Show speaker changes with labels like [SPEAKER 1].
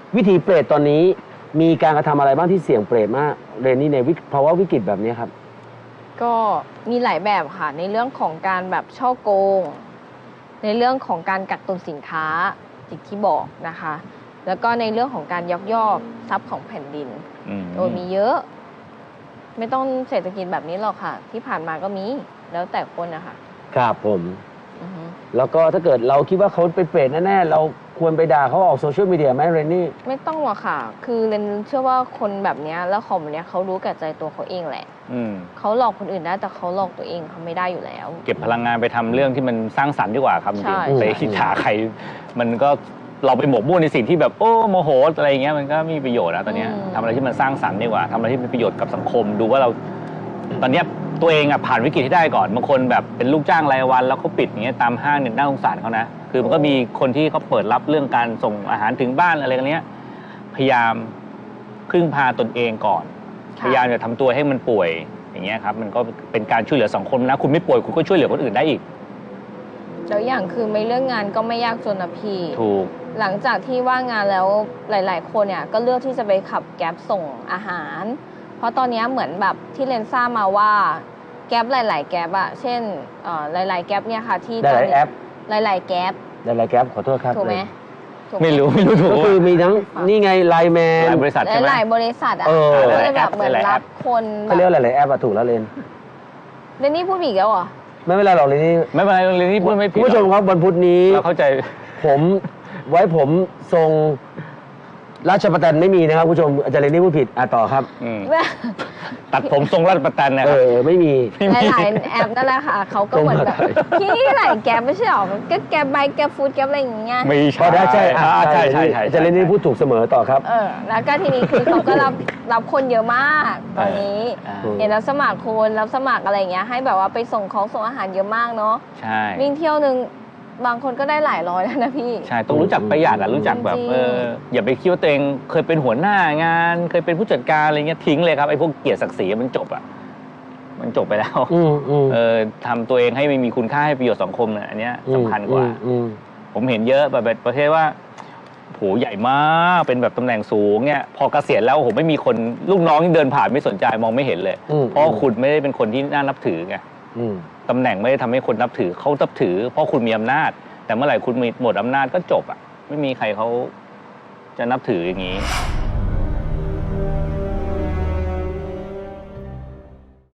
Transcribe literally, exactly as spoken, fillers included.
[SPEAKER 1] วิธีเปรตตอนนี้มีการกระทำอะไรบ้างที่เสี่ยงเปรตมากเรนนี่ในภาวะวิกฤตแบบนี้ครับ
[SPEAKER 2] ก็มีหลายแบบค่ะในเรื่องของการแบบช่อโกงในเรื่องของการกักตุนสินค้าอย่างที่บอกนะคะ แล้วก็ในเรื่องของการยักยอกทรัพย์ของแผ่นดินโดยมีเยอะ ไม่ต้องเศรษฐกิจแบบนี้หรอกค่ะ ที่ผ่านมาก็มีแล้วแต่คนนะคะ
[SPEAKER 1] ครับผมแล้วก็ถ้าเกิดเราคิดว่าเขาเป็นเปรตแน่ๆเราควรไปด่าเขาออกโซเชียลมีเดียไหมเรนนี่
[SPEAKER 2] ไม่ต้องหรอกค่ะ คือเรนเชื่อว่าคนแบบนี้แล้วของแบบนี้เขารู้แก่ใจตัวเขาเองแหละเขาหลอกคนอื่นได้แต่เขาหลอกตัวเองเขาไม่ได้อยู่แล้ว
[SPEAKER 3] เก็บพลังงานไปทำเรื่องที่มันสร้างสรรค์ดีกว่าครับจริงๆไปอิจฉาใครมันก็เราไปหมกมุ่นในสิ่งที่แบบโอ้โมโหอะไรเงี้ยมันก็ไม่มีประโยชน์นะตอนนี้ทำอะไรที่มันสร้างสรรค์ดีกว่าทำอะไรที่เป็นประโยชน์กับสังคมดูว่าเราตอนนี้ตัวเองอ่ะผ่านวิกฤตให้ได้ก่อนบางคนแบบเป็นลูกจ้างรายวันแล้วเขาปิดอย่างเงี้ยตามห้างเนี่ยน่าสงสารเขานะคือมันก็มีคนที่เขาเปิดรับเรื่องการส่งอาหารถึงบ้านอะไรกันเนี้ยพยายามพึ่งพาตนเองก่อนพยายามจะทำตัวให้มันป่วยอย่างเงี้ยครับมันก็เป็นการช่วยเหลือสังคมนะคุณไม่ป่วยคุณก็ช่วยเหลือคนอื่นได้อีก
[SPEAKER 2] แล้วอย่างคือไม่เรื่องงานก็ไม่ยากจนนะพี่
[SPEAKER 3] ถูก
[SPEAKER 2] หลังจากที่ว่างงานแล้วหลายๆคนเนี่ยก็เลือกที่จะไปขับแก๊ปส่งอาหารเพราะตอนนี้เหมือนแบบที่เรนซ่ามาว่าแก๊ปหลายๆแก๊ปอะเช่นหลายๆแก๊ปเนี่ยค่ะที่
[SPEAKER 1] หลายๆแอป
[SPEAKER 2] หลายๆแก๊ป
[SPEAKER 1] หลายๆแก๊ปขอโทษครับ
[SPEAKER 2] ถูกไหม
[SPEAKER 3] ไม่รู้ไม่รู้ถูก
[SPEAKER 1] ก็คือมีทั้งนี่ไงไลน์แมน
[SPEAKER 3] หลายบริษัทใช่ไหม
[SPEAKER 2] หลายบริษัทอะก็เลยแบบเหมือนรับคน
[SPEAKER 1] เขาเรียกหลายๆแอปอะถูกแล้วเรน
[SPEAKER 2] เรนนี่พูดอีกแล้วเหรอ
[SPEAKER 1] ไม่เป็นไรหรอกเรนนี่
[SPEAKER 3] ไม่เป็นไรเรนนี่พูดไม่ผิด
[SPEAKER 1] คุณผู้ชมครับวันพุธนี้
[SPEAKER 3] เราเข้าใจ
[SPEAKER 1] ผมไว้ผมทรงราชประแตนไม่มีนะครับผู้ชมอาจารย์เรนนี่พูดผิดอ่ะต่อครับ
[SPEAKER 3] ตัดผมทรงราชประแตนนะ
[SPEAKER 1] เออไม่มี
[SPEAKER 2] หลายแอปนั่นแหละค่ะเขาก็เหมือนแบบพี่หลายแกร็บไม่ใช่หรอก็แกร็บไบค์แกร็บฟู้ดแกร็บอะไรอย่างเงี้ย
[SPEAKER 3] ไม่ใช่
[SPEAKER 1] ใช่
[SPEAKER 3] ใช่ใช่ใช่
[SPEAKER 1] อาจารย์เรนนี่พูดถูกเสมอต่อครับ
[SPEAKER 2] เออแล้วก็ทีนี้คือเขาก็รับรับคนเยอะมากตอนนี้เห็นรับสมัครคนรับสมัครอะไรอย่างเงี้ยให้แบบว่าไปส่งของส่งอาหารเยอะมากเนาะ
[SPEAKER 3] ใช่
[SPEAKER 2] วิ่งเที่ยวนึงบางคนก็ได้หลายร้อยแล้วนะพี่
[SPEAKER 3] ใช่ต้องรู้จักประหยัดอะรู้จักแบบเอออย่าไปคิดว่าตัวเองเคยเป็นหัวหน้างานเคยเป็นผู้จัดการอะไรเงี้ยทิ้งเลยครับไอ้พวกเกียรติศักดิ์ศรีมันจบอะมันจบไปแล้วเออทำตัวเองให้ไม่มีคุณค่าให้ประโยชน์สังคมเนี่ยอันเนี้ยสำคัญกว่าผมเห็นเยอะแบบประเภทว่าโหใหญ่มากเป็นแบบตำแหน่งสูงเนี่ยพอเกษียณแล้วโหไม่มีคนลูกน้องที่เดินผ่านไม่สนใจมองไม่เห็นเลยเพราะคุณไม่ได้เป็นคนที่น่านับถือไงตำแหน่งไม่ได้ทำให้คนนับถือเขานับถือเพราะคุณมีอำนาจแต่เมื่อไหร่คุณมีหมดอำนาจก็จบอ่ะไม่มีใครเขาจะนับถืออย่างนี้